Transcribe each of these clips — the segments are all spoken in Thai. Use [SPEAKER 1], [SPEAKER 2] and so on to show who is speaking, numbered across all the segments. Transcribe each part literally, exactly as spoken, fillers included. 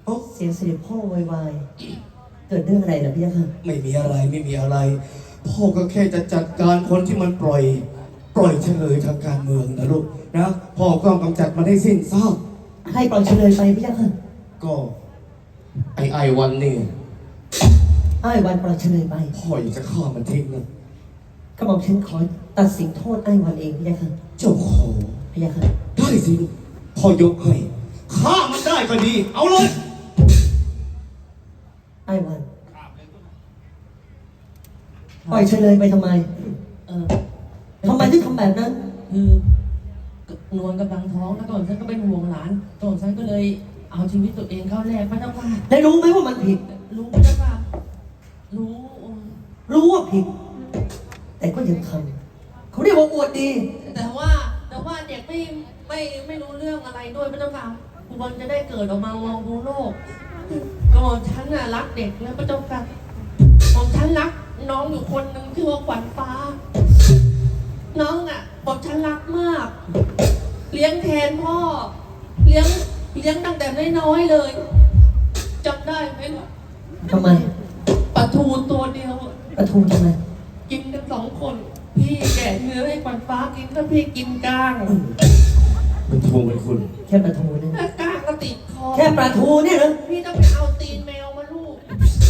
[SPEAKER 1] เสียงเสด็จพ่อวายเกิดเรื่องอะไรเหรอพี่ยักษ์
[SPEAKER 2] ไม่มีอะไรไม่มีอะไรพ่อก็แค่จะจัดการคนที่มันปล่อยปล่อยเฉลยทางการเมืองนะลูกนะพ่อก็กำจัดมันให้สิ้นซาก
[SPEAKER 1] ให้ปล่อยเฉลยไปพี่ยักษ์
[SPEAKER 2] ก็ไอไอวันนี่
[SPEAKER 1] ไอ้วันปล่อยเฉลยไป
[SPEAKER 2] พ่ออยากจะฆ่ามันทิ้งนะ
[SPEAKER 1] ก็บอกฉันขอตัดสินโทษไอ้วันเองพี่ยักษ์
[SPEAKER 2] เจ้าขอ
[SPEAKER 1] พี่ยักษ์
[SPEAKER 2] ได้สิลูกพ่อยกให้ฆ่ามันได้ก็ดีเอาเลย
[SPEAKER 1] ไอ้วันปล่อยเฉลยไปทำไมเออทำไมถึงทำแบบนั้น
[SPEAKER 3] คือนวลกำลังท้องแล้วก่อนฉันก็เป็นห่วงหลานก่อนฉันก็เลยเอาชีวิตตัวเองเข้าแลกพระเจ้าค่ะ
[SPEAKER 1] ได้รู้ไหมว่ามันผิด
[SPEAKER 3] รู้พระเจ้าค่ะรู้
[SPEAKER 1] รู้ว่าผิดแต่ก็ยังทำเขาเรียกว่าอวดดี
[SPEAKER 3] แต่ว่าแต่ว่าเด็กไม่ไม่ไม่รู้เรื่องอะไรด้วยพระเจ้าค่ะควรจะได้เกิดออกมามองดูโลกก่อนฉันน่ะรักเด็กแล้วพระเจ้าค่ะของฉันรักน้องอยู่คนหนึ่งชื่อว่าขวัญฟ้าน้องอ่ะบอกฉันรักมากเลี้ยงแทนพ่อเลี้ยงเลี้ยงตั้งแต่น้อยๆเลยจำได้ไหมล่ะ
[SPEAKER 1] ทำไม
[SPEAKER 3] ปลาทูตัวเดียว
[SPEAKER 1] ปลาทูทำไม
[SPEAKER 3] กินกันสองคนพี่แกะเนื้อให้ขวัญฟ้ากินแล้วพี่กินก้าง
[SPEAKER 2] เป็นทูเป็นคุณ
[SPEAKER 1] แค่ปลาทูนี่
[SPEAKER 3] แค่ก้างก็ติดคอ
[SPEAKER 1] แค่ปลาทูเนี่ยเหรอ
[SPEAKER 3] พี่ต้องไปเอาตีนแมวมาลูก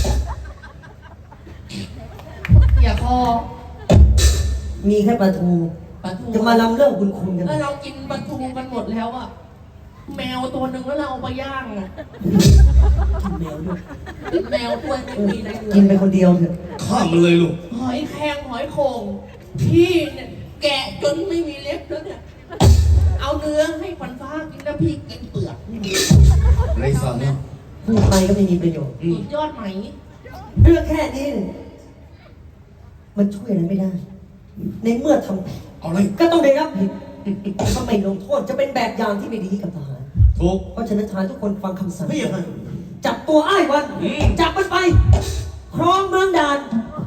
[SPEAKER 3] อย่าคอ
[SPEAKER 1] มีแค่ปลาทูจะมาลำเรื่องคุณคุณกัน
[SPEAKER 3] แล้วเรากินปลาทูกันหมดแล้วอะแมวตัวหนึ่งแล้วเราเอาไปย่างอะ
[SPEAKER 1] กินแมวด้วย
[SPEAKER 3] แมวด้วยไม่มีอะไร
[SPEAKER 1] กินไปคนเดียวเถอะ
[SPEAKER 2] ข้ามมันเลยลูก
[SPEAKER 3] หอยแครงหอยโข่งพี่เนี่ยแกะจนไม่มีเล็บแล้วเนี่ยเอาเนื้อให้ขวัญฟ้ากินแล้วพี่กินเปลือก
[SPEAKER 2] ไรสาระ
[SPEAKER 1] พูดไปก็ไม่มีประโยชน์
[SPEAKER 3] สุดยอดไหม
[SPEAKER 1] เรื่องแค่นี้มันช่วยอะไรไม่ได้ในเมื่อทำผิด
[SPEAKER 2] เอาเลย
[SPEAKER 1] ก็ต้องได้รับผิดถ้าไม่ลงโทษจะเป็นแบบอย่างที่ไม่ดีกับทหาร
[SPEAKER 2] ถูก
[SPEAKER 1] เพราะฉะนั้นทหารทุกคนฟังคำสั่งจับตัวไอ้วันจับมันไปครองเมืองด่าน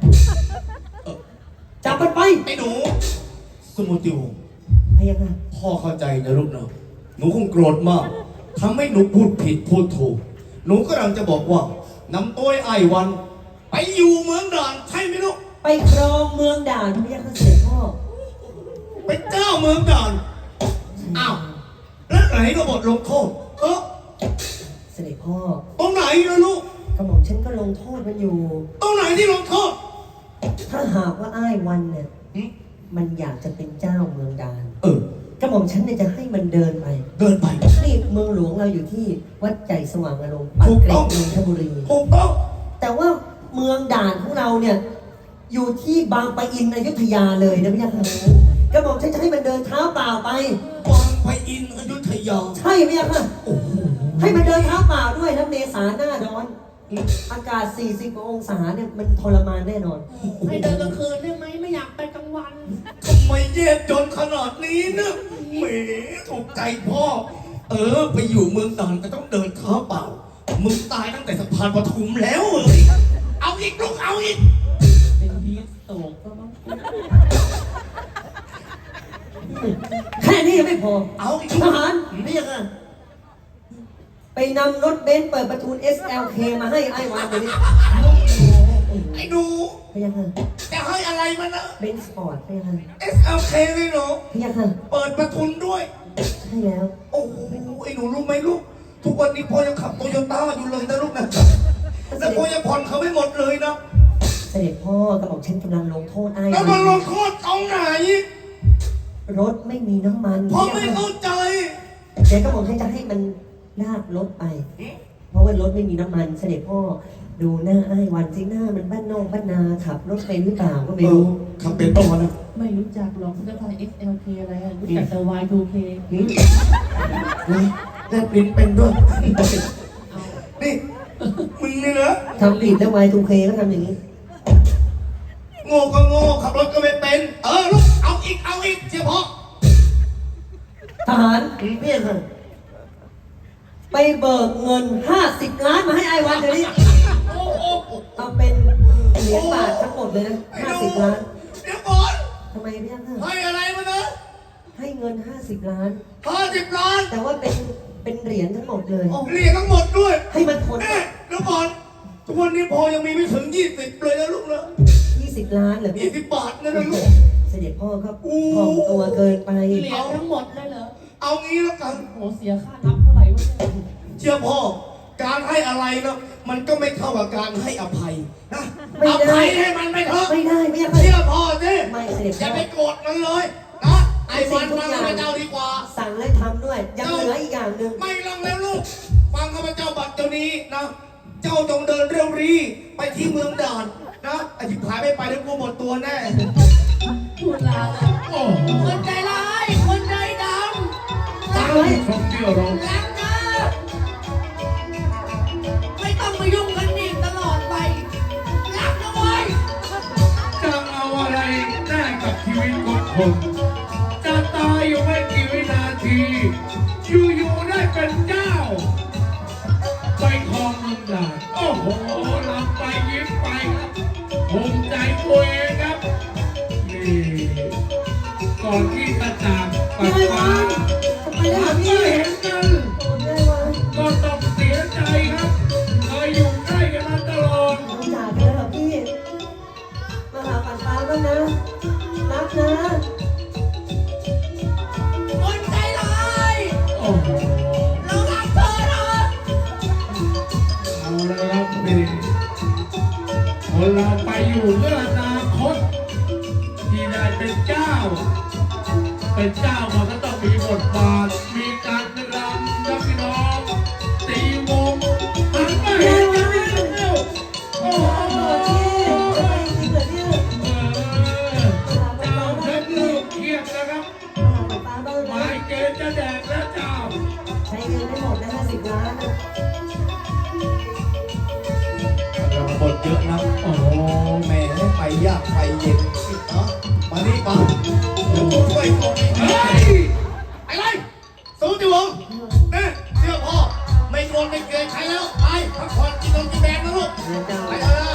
[SPEAKER 1] จับมันไป
[SPEAKER 2] ไอ้หนูสมุติว
[SPEAKER 1] พยังไง
[SPEAKER 2] พ่อเข้าใจนะลูกเนาะหนูคงโกรธมากทำให้หนูพูดผิดพูดถูกหนูก็กำลังจะบอกว่านำตัวไอ้วันไปอยู่เมืองด่านใช่ไหมลูก
[SPEAKER 1] ไปครองเมืองด่านพยังเสด็จพ่อ
[SPEAKER 2] เป็นเจ้าเมืองด่านอ้าวแล้วไหนก็บทลงโทษเออ
[SPEAKER 1] เสด็จพ่อ
[SPEAKER 2] ตรงไหนล่ะลูก
[SPEAKER 1] กระหม่อมฉันก็ลงโทษมันอยู่
[SPEAKER 2] ตรงไหนที่ลงโทษ
[SPEAKER 1] ถ้าหากว่าอ้ายวันเนี่ยมันอยากจะเป็นเจ้าเมืองด่าน
[SPEAKER 2] เอ
[SPEAKER 1] อกระหม่อมฉันเนี่ยจะให้มันเดินไป
[SPEAKER 2] เดินไป
[SPEAKER 1] นี่เมืองหลวงเราอยู่ที่วัดใจสว่างอารมณ์ปากเกร็ดนนทบุรี
[SPEAKER 2] ถูกต้อง
[SPEAKER 1] แต่ว่าเมืองด่านของเราเนี่ยอยู่ที่บางปะอินอยุธยาเลยนะพี่ยักษ์กระหม่อมฉันจะให้มันเดินเท้าเปล่าไป
[SPEAKER 2] บางปะอินอยุธยา
[SPEAKER 1] ใช่พี่ยักษ์ให้มันเดินเท้าเปล่าด้วยแล้วเมษาหน้าร้อนอากาศสี่สิบองศาเนี่ยมันทรมานแน่นอน
[SPEAKER 3] ให้เดินกลางคืนได้ไหมไม่อยากไปกลางวัน
[SPEAKER 2] ทำไมแย่จนขนาดนี้นะแหมถูกใจพ่อเออไปอยู่เมืองด่านก็ต้องเดินเท้าเปล่ามึงตายตั้งแต่สะพานปทุมแล้วเลยเอาอีกลูกเอาอีก
[SPEAKER 3] เป็นพีสโตกก็มั้ง
[SPEAKER 1] แค่นี้ยังไม่พอ
[SPEAKER 2] เอาอีก
[SPEAKER 1] ทหารไม่ยังไงไปนำรถเบนซ์เปิดประตู เอส แอล เค มาให้ไอ้วานเลยนี่
[SPEAKER 2] ไอ้ดู
[SPEAKER 1] พยังไง
[SPEAKER 2] จะให้อะไรมันนะ
[SPEAKER 1] เบนซ์สปอร์ตพยังไง
[SPEAKER 2] เอส แอล เค เลยเหรอ
[SPEAKER 1] พยังไง
[SPEAKER 2] เปิดประทุนด้วย
[SPEAKER 1] ใช่แล้ว
[SPEAKER 2] โอ้โหไอ้หนูรู้ไหมลูกทุกวันนี้พ่อยังขับโตโยต้าอยู่เลยนะลูกนะแล้วพ่อยังผ่อนเขาไม่หมดเลยนะ
[SPEAKER 1] เสด็จพ่อกระบอกฉันกำลังลงโทษไอ้
[SPEAKER 2] แล้วมันลงโทษตรงไหน
[SPEAKER 1] รถไม่มีน้ำมัน
[SPEAKER 2] พ่อไม่เข้าใจ
[SPEAKER 1] เดี๋ยวกระบอกฉันจะให้มันลากรถไปเพราะว่ารถไม่มีน้ำมันเสด็จพ่อดูหน้าไอ้วันสิหน้ามันบ้านนอกบ้านนาขับรถไปหรือเปล่าก็ไม่รู้
[SPEAKER 2] ขับเป็นตัวนะ
[SPEAKER 3] ไม่รู้จักหรอกจะพาย เอส แอล เค อะไรรู้จักแต่ วาย ทู เค
[SPEAKER 2] แลบลิ้นเป็นด้วยนี่มึงนี่นะ
[SPEAKER 1] ทำผิดแล้ว วาย ทู เค ก็ทำอย่างนี้
[SPEAKER 2] โง่ก็โง่ขับรถก็ไม่เป็นเออลูกเอาอีกเอาอีกเฉพาะ
[SPEAKER 1] ทหารเพี้ยนเลยไปเบิกเงินห้าสิบล้านมาให้ไอ้วันเดี๋ยวนี้เอาเป็นเหรียญบาททั้งหมดเลยนะห้าสิบล้าน
[SPEAKER 2] เดี๋ยวก่อน
[SPEAKER 1] ทำไมพี่ยัง
[SPEAKER 2] ให้อะไรมานะ
[SPEAKER 1] ให้เงินห้าสิบล้าน
[SPEAKER 2] ห้าสิบล้าน
[SPEAKER 1] แต่ว่าเป็นเป็นเหรียญทั้งหมดเลย
[SPEAKER 2] เหรียญทั้งหมดด้วย
[SPEAKER 1] ให้ให้มันผล
[SPEAKER 2] เอ๊ะแล้วก่อนทุกวันนี้พอยังมีไม่ถึงยี่สิบเลยนะลูกนะ
[SPEAKER 1] ยี่สิบล้านเหรอพี่
[SPEAKER 2] ยี่สิบบาทนะนะลูก
[SPEAKER 1] เสด็จพ่อครับถ่อมตัวเกินไป
[SPEAKER 3] เหรียญทั้งหมดเลยเหรอ
[SPEAKER 2] เอางี้แล้วกัน
[SPEAKER 3] โหเสียค่านับเท่าไหร่วะเนี่ย
[SPEAKER 2] เชื่อพ่อ การให้อะไรนะมันก็ไม่เท่ากับการให้อภัยนะ
[SPEAKER 1] ไม่
[SPEAKER 2] อ
[SPEAKER 1] ได้
[SPEAKER 2] ภัยให้มันไม่เถอะ
[SPEAKER 1] ไม่ได้ไม่ได้
[SPEAKER 2] เชื่อพ่อสิ
[SPEAKER 1] ไม่เสด็จ
[SPEAKER 2] อย่า
[SPEAKER 1] พ่อ
[SPEAKER 2] ไปโกรธมันเลยนะไอ้วันฟังข้าพเจ้าดีกว่า
[SPEAKER 1] สั่งและทำด้วย ยังเหลืออีกอย่างหนึ่ง
[SPEAKER 2] ไม่ลังแล้วลูก ฟังข้าพเจ้าบัดเดี๋ยวนี้นะ เจ้าจงเดินเร็วรีไปที่เมืองด่านนะอธิบายไม่ไปแล้วกูหมดตัวแน่
[SPEAKER 3] พูดลาเลยโอ้คนใจร้ายคนใจดำ
[SPEAKER 1] สั่งไว้
[SPEAKER 4] ชมที่เรา
[SPEAKER 3] รักนะไม่ต้องมายุ่งกันอีกตลอดไปรักนะเว้ย
[SPEAKER 4] จะเอาอะไรแลกกับชีวิตของคนจะตายอยู่ไม่กี่วินาที อยู่ๆได้เป็นเจ้า ไปครองเมืองด่านโอ้โหลำไปยิ้มไปครับภูมิใจตัวเองครับ นี่ ก่อนที่จะจากปัดฟ้า
[SPEAKER 1] ไปแล้ว
[SPEAKER 4] หาก
[SPEAKER 1] พี่
[SPEAKER 4] ไม่เห็นกัน
[SPEAKER 1] ได้วะ
[SPEAKER 4] ก็ต้องเสียใจครับเคยอยู่ใกล้กันมาตลอด
[SPEAKER 1] น้องจากกันแล้วเหรอพี่ มาหาปันฟ้าบ้างนะ รักนะ
[SPEAKER 3] คนใจร้าย
[SPEAKER 4] โอ้โห
[SPEAKER 3] เรารักเธอนะ
[SPEAKER 4] เอาละครับนี่คนเราไปอยู่เพื่ออนาคตที่ได้เป็นเจ้า เป็นเจ้ามันก็ต้องมีบทบาท มีการรำครับพี่น้องตีวงหันมาเห็นกันนิดเดียวโอ้โห
[SPEAKER 1] พี่ทำไมจริงเหรอเนี่ย
[SPEAKER 4] เออเจ้าเพชรเริ่มเครียดนะครับ
[SPEAKER 1] มาหาปันฟ้าบ้าง
[SPEAKER 4] ห
[SPEAKER 1] นะ
[SPEAKER 4] มายเกณฑ์จะแดกแล้วเจ้า
[SPEAKER 1] ใช้เงินไม่หมดนะห้าสิบล้านนะ
[SPEAKER 2] เราบทเยอะนะ โอ้โหแม่ให้ไปยากไปเย็นเนาะมานี่มาเดี๋ยวกูช่วยตัวเอง
[SPEAKER 4] เฮ้ย
[SPEAKER 2] ไอ้ไรสู้จิวงเนี่ยเชื่อพ่อ ไม่โกรธไม่เกลียดใครแล้ว ไปพักผ่อนกินนมกินแดงนะลูก
[SPEAKER 1] เดี๋ยวจะ
[SPEAKER 2] ไปเถอะ